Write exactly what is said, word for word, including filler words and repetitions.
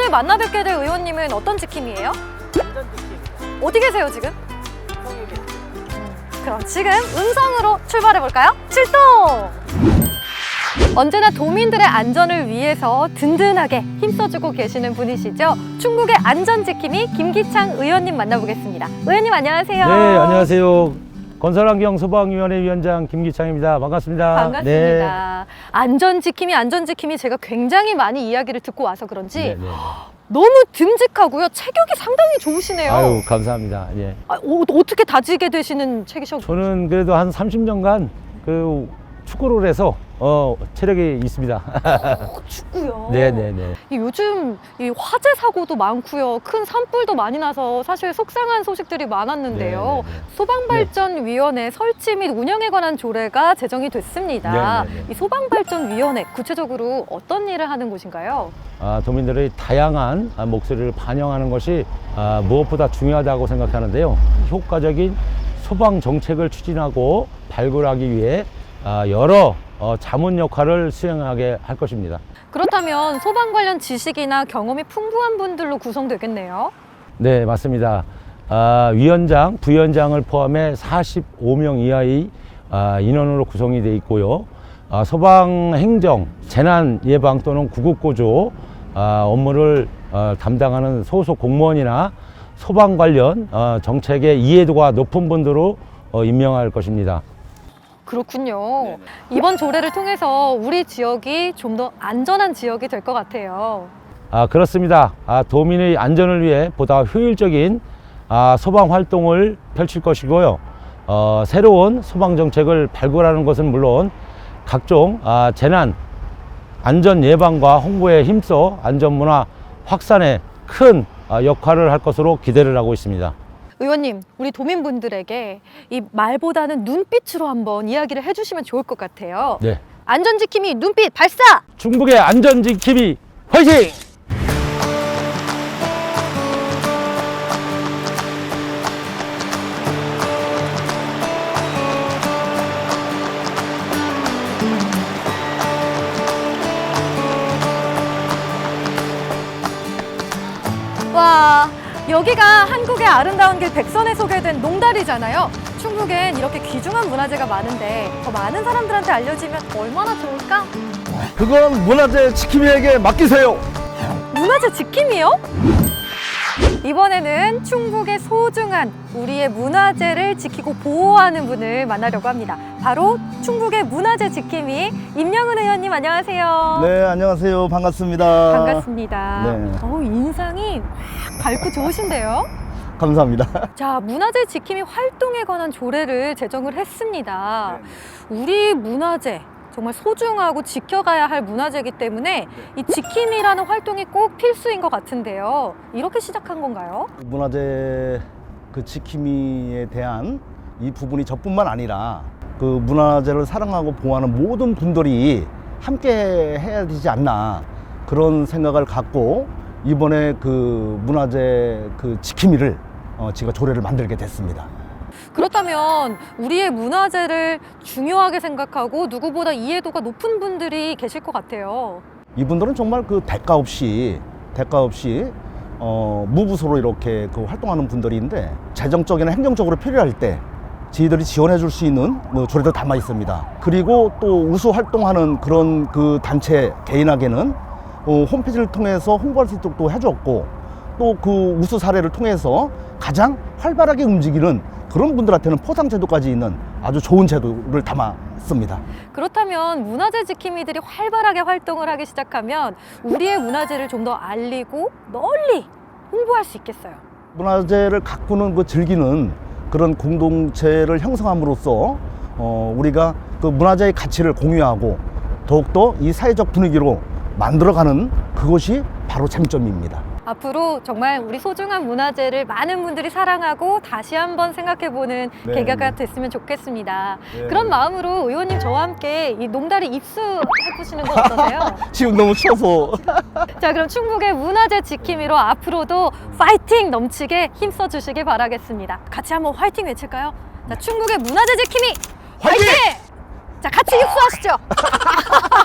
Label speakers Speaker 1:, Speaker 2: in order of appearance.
Speaker 1: 오늘 만나 뵙게 될 의원님은 어떤 지킴이에요?
Speaker 2: 안전 지킴.
Speaker 1: 어디 계세요 지금?
Speaker 2: 성이 계세요.
Speaker 1: 그럼 지금 음성으로 출발해 볼까요? 출동! 언제나 도민들의 안전을 위해서 든든하게 힘써주고 계시는 분이시죠. 충북의 안전지킴이 김기창 의원님 만나보겠습니다. 의원님 안녕하세요.
Speaker 3: 네, 안녕하세요. 건설환경소방위원회 위원장 김기창입니다. 반갑습니다.
Speaker 1: 반갑습니다. 안전지킴이 안전지킴이 제가 굉장히 많이 이야기를 듣고 와서 그런지
Speaker 3: 네, 네, 네.
Speaker 1: 너무 듬직하고요. 체격이 상당히 좋으시네요.
Speaker 3: 아유, 감사합니다. 예.
Speaker 1: 아, 어, 어떻게 다지게 되시는 체기셔?
Speaker 3: 저는 그래도 한 삼십 년간 그 축구를 해서 어, 체력이 있습니다.
Speaker 1: 축구요.
Speaker 3: 네, 네, 네.
Speaker 1: 이 요즘 이 화재 사고도 많고요. 큰 산불도 많이 나서 사실 속상한 소식들이 많았는데요.
Speaker 3: 네, 네, 네.
Speaker 1: 소방발전위원회 설치 및 운영에 관한 조례가 제정이 됐습니다.
Speaker 3: 네, 네, 네.
Speaker 1: 이 소방발전위원회 구체적으로 어떤 일을 하는 곳인가요?
Speaker 3: 아, 도민들의 다양한 목소리를 반영하는 것이 아, 무엇보다 중요하다고 생각하는데요. 효과적인 소방 정책을 추진하고 발굴하기 위해 아, 여러 어, 자문 역할을 수행하게 할 것입니다.
Speaker 1: 그렇다면 소방 관련 지식이나 경험이 풍부한 분들로 구성되겠네요.
Speaker 3: 네, 맞습니다. 아, 위원장, 부위원장을 포함해 사십오 명 이하의 아, 인원으로 구성이 되어 있고요. 아, 소방행정, 재난예방 또는 구급구조 아, 업무를 어, 담당하는 소속 공무원이나 소방 관련 어, 정책의 이해도가 높은 분들로 어, 임명할 것입니다.
Speaker 1: 그렇군요.
Speaker 2: 네네.
Speaker 1: 이번 조례를 통해서 우리 지역이 좀 더 안전한 지역이 될 것 같아요.
Speaker 3: 아, 그렇습니다. 아, 도민의 안전을 위해 보다 효율적인 아, 소방 활동을 펼칠 것이고요. 어, 새로운 소방 정책을 발굴하는 것은 물론 각종 아, 재난 안전 예방과 홍보에 힘써 안전 문화 확산에 큰 아, 역할을 할 것으로 기대를 하고 있습니다.
Speaker 1: 의원님, 우리 도민분들에게 이 말보다는 눈빛으로 한번 이야기를 해주시면 좋을 것 같아요.
Speaker 3: 네,
Speaker 1: 안전지킴이 눈빛 발사!
Speaker 3: 충북의 안전지킴이 화이팅!
Speaker 1: 와, 여기가 한국의 아름다운 길 백선에 소개된 농다리잖아요. 충북엔 이렇게 귀중한 문화재가 많은데 더 많은 사람들한테 알려지면 얼마나 좋을까?
Speaker 4: 그건 문화재 지킴이에게 맡기세요.
Speaker 1: 문화재 지킴이요? 이번에는 충북의 소중한 우리의 문화재를 지키고 보호하는 분을 만나려고 합니다. 바로 충북의 문화재 지킴이 임영은 의원님 안녕하세요.
Speaker 4: 네, 안녕하세요. 반갑습니다.
Speaker 1: 반갑습니다.
Speaker 4: 네.
Speaker 1: 어우, 인상이 확 밝고 좋으신데요?
Speaker 4: 감사합니다.
Speaker 1: 자, 문화재 지킴이 활동에 관한 조례를 제정을 했습니다. 우리 문화재 정말 소중하고 지켜가야 할 문화재이기 때문에 이 지킴이라는 활동이 꼭 필수인 것 같은데요. 이렇게 시작한 건가요?
Speaker 4: 문화재 그 지킴이에 대한 이 부분이 저뿐만 아니라 그 문화재를 사랑하고 보호하는 모든 분들이 함께 해야 되지 않나 그런 생각을 갖고 이번에 그 문화재 그 지킴이를 어, 제가 조례를 만들게 됐습니다.
Speaker 1: 그렇다면 우리의 문화재를 중요하게 생각하고 누구보다 이해도가 높은 분들이 계실 것 같아요.
Speaker 4: 이분들은 정말 그 대가 없이 대가 없이 어, 무부서로 이렇게 그 활동하는 분들인데 재정적이나 행정적으로 필요할 때 저희들이 지원해 줄 수 있는 뭐 조례도 담아 있습니다. 그리고 또 우수 활동하는 그런 그 단체 개인에게는 어, 홈페이지를 통해서 홍보할 수 있도록 또 해줬고 또 그 우수 사례를 통해서 가장 활발하게 움직이는 그런 분들한테는 포상 제도까지 있는 아주 좋은 제도를 담았습니다.
Speaker 1: 그렇다면 문화재 지킴이들이 활발하게 활동을 하기 시작하면 우리의 문화재를 좀 더 알리고 널리 홍보할 수 있겠어요.
Speaker 4: 문화재를 가꾸는 그 즐기는 그런 공동체를 형성함으로써 어, 우리가 그 문화재의 가치를 공유하고 더욱더 이 사회적 분위기로 만들어가는 그것이 바로 쟁점입니다.
Speaker 1: 앞으로 정말 우리 소중한 문화재를 많은 분들이 사랑하고 다시 한번 생각해보는
Speaker 4: 네,
Speaker 1: 계기가
Speaker 4: 네.
Speaker 1: 됐으면 좋겠습니다.
Speaker 4: 네.
Speaker 1: 그런 마음으로 의원님 저와 함께 이 농다리 입수해보시는 건 어떠세요?
Speaker 4: 지금 너무 추워서
Speaker 1: 자, 그럼 충북의 문화재 지킴이로 앞으로도 파이팅 넘치게 힘써주시길 바라겠습니다. 같이 한번 화이팅 외칠까요? 자, 충북의 문화재 지킴이 화이팅! 자, 같이 입수하시죠.